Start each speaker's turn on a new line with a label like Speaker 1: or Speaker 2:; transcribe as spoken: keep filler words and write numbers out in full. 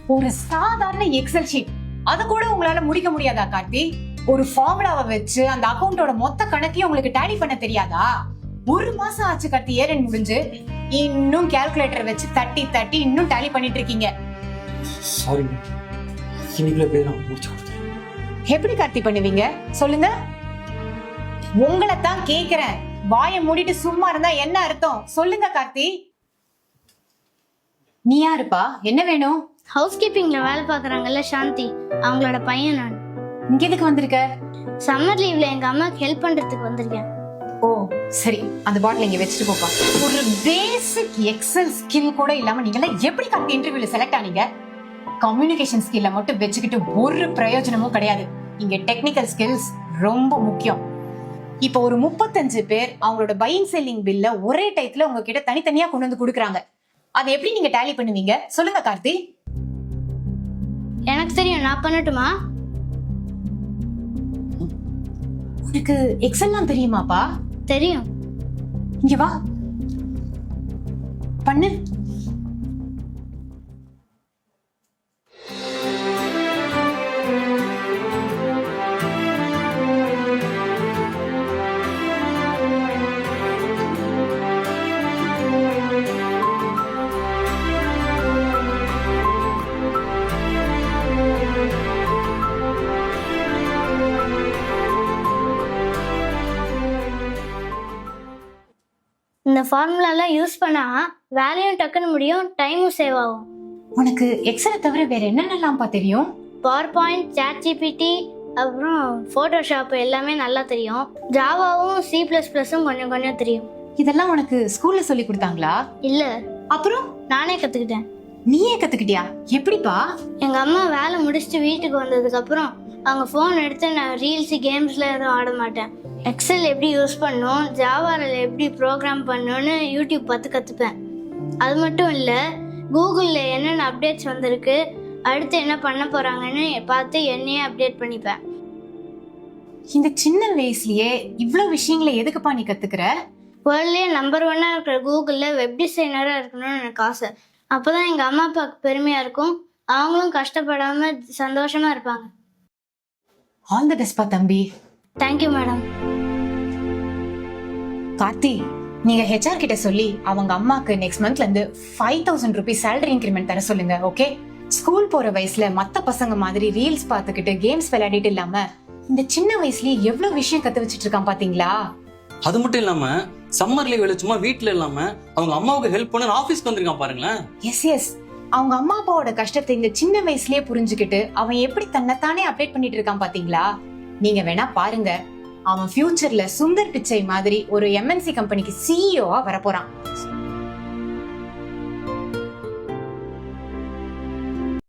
Speaker 1: ஒரு சாதாரண Excel sheet அத கூட உங்களால முடிக்க முடியாதா கார்த்தி? ஒரு ஃபார்முலாவை வச்சு அந்த அக்கவுண்டோட மொத்த கணக்கையும் உங்களுக்கு டேலி பண்ண தெரியாதா? ஒரு மாசம் ஆச்சு கார்த்தி ஏரன் முடிஞ்சு, இன்னும் கால்குலேட்டர் வச்சு தட்டி தட்டி இன்னும் டேலி பண்ணிட்டு இருக்கீங்க.
Speaker 2: சாரி, இன்னைக்குள்ள போய் நான் முடிச்சு கொடுத்தேன்.
Speaker 1: எப்படி கார்த்தி பண்ணுவீங்க சொல்லுங்க? உங்களை தான் கேக்குறேன். வாயை மூடிட்டு சும்மா இருந்தா என்ன அர்த்தம் சொல்லுங்க கார்த்தி. நீ யாருப்பா? என்ன வேணும்?
Speaker 3: ஹவுஸ் கீப்பிங்ல வேலை பாக்குறாங்கல்ல சாந்தி, அவங்களோட பையன் நான்.
Speaker 1: இங்க எதுக்கு வந்திருக்க?
Speaker 3: சம்மர் லீவ்ல எங்க அம்மாக்கு ஹெல்ப் பண்றதுக்கு வந்திருக்கேன்.
Speaker 1: ஓ சரி, அந்த பாட்டில் இங்க வச்சுட்டு போப்பா. ஒரு பேசிக் எக்ஸல் ஸ்கில் கூட இல்லாம நீங்க எல்லாம் எப்படி கார்த்தி இன்டர்வியூல செலக்ட் ஆனீங்க? கம்யூனிகேஷன் ஸ்கில்ல மட்டும் வச்சுக்கிட்டு ஒரு பிரயோஜனமும் கிடையாது. இங்க டெக்னிக்கல் ஸ்கில்ஸ் ரொம்ப முக்கியம். இப்போ ஒரு முப்பத்தஞ்சு பேர் அவங்களோட பையிங் செல்லிங் பில்ல ஒரே டைத்துல உங்ககிட்ட தனித்தனியா கொண்டு வந்து கொடுக்குறாங்க. அதை எப்படி நீங்க டேலி பண்ணுவீங்க சொல்லுங்க கார்த்தி?
Speaker 3: எனக்கு தெரியும், நான் பண்ணட்டுமா?
Speaker 1: உனக்கு எக்ஸல்லாம் தெரியுமாப்பா?
Speaker 3: தெரியும்.
Speaker 1: இங்க வா, பண்ணு.
Speaker 3: இந்த ஃபார்முலாலாம் யூஸ் பண்ணா வேலையும் டக்குன்னு முடியும், டைமும் சேவ் ஆகும்.
Speaker 1: உனக்கு எக்ஸலை தவிர வேற என்னென்னலாம்ப்பா தெரியும்?
Speaker 3: பவர் பாயிண்ட், சாட் ஜிபிடி, அப்புறம் போட்டோஷாப் எல்லாமே நல்லா தெரியும். ஜாவாவும் சி பிளஸ் பிளஸும் கொஞ்சம் கொஞ்சம் தெரியும்.
Speaker 1: இதெல்லாம் உனக்கு ஸ்கூல்ல சொல்லி கொடுத்தாங்களா?
Speaker 3: இல்ல,
Speaker 1: அப்புறம்
Speaker 3: நானே கத்துக்கிட்டேன்.
Speaker 1: நீயே கத்துக்கிட்டியா? எப்படிப்பா?
Speaker 3: எங்க அம்மா வேலை முடிச்சுட்டு வீட்டுக்கு வந்ததுக்கு அப்புறம் அவங்க ஃபோன் எடுத்து நான் ரீல்ஸ் கேம்ஸ்ல எதுவும் ஆட மாட்டேன். எக்ஸல் எப்படி யூஸ் பண்ணணும், ஜாவாவில் எப்படி ப்ரோக்ராம் பண்ணணும்னு யூடியூப் பார்த்து கற்றுப்பேன். அது மட்டும் இல்லை, கூகுளில் என்னென்ன அப்டேட்ஸ் வந்திருக்கு, அடுத்து என்ன பண்ண போகிறாங்கன்னு பார்த்து என்னையே அப்டேட் பண்ணிப்பேன்.
Speaker 1: இந்த சின்ன வயசுலயே இவ்ளோ விஷயங்களை எதுக்குப்பா நீ கத்துக்கிற?
Speaker 3: வேர்ல்ட்லேயே நம்பர் ஒன்னாக இருக்கிற கூகுளில் வெப் டிசைனராக இருக்கணும்னு எனக்கு ஆசை. அப்போ தான் எங்கள் அம்மா அப்பாவுக்கு பெருமையாக இருக்கும், அவங்களும் கஷ்டப்படாமல் சந்தோஷமாக இருப்பாங்க.
Speaker 1: ஆல் தி பெஸ்ட் பா தம்பி.
Speaker 3: Thank you madam.
Speaker 1: கார்த்தி, நீங்க ஹெச்ஆர் கிட்ட சொல்லி அவங்க அம்மாக்கு நெக்ஸ்ட் மந்த்ல இருந்து five thousand rupees salary increment தர சொல்லுங்க. ஓகே? ஸ்கூல் போற வயசுல மத்த பசங்க மாதிரி ரீல்ஸ் பார்த்துக்கிட்டு கேம்ஸ் விளையாடிட்டு இல்லாம இந்த சின்ன வயசுலயே எவ்வளவு விஷயம் கத்து வச்சிட்டு இருக்கான் பாத்தீங்களா?
Speaker 2: அது மட்டும் இல்லாம சம்மர் லீவ்ல சும்மா வீட்டுல இல்லாம அவங்க அம்மாவுக்கு ஹெல்ப் பண்ண ஆபீஸ்க்கு வந்திருக்கான் பாருங்களேன்.
Speaker 1: எஸ் எஸ், அவங்க அம்மா அப்பாவோட கஷ்டத்தை இந்த சின்ன வயசுலயே புரிஞ்சுக்கிட்டு அவன் எப்படி தன்னைத்தானே அப்டேட் பண்ணிட்டு இருக்கான் பாத்தீங்களா? நீங்க வேணா பாருங்க, அவன் ஃபியூச்சர்ல சுந்தர் பிச்சை மாதிரி ஒரு எம்என்சி கம்பெனிக்கு சிஇஓவா வரப்போறான்.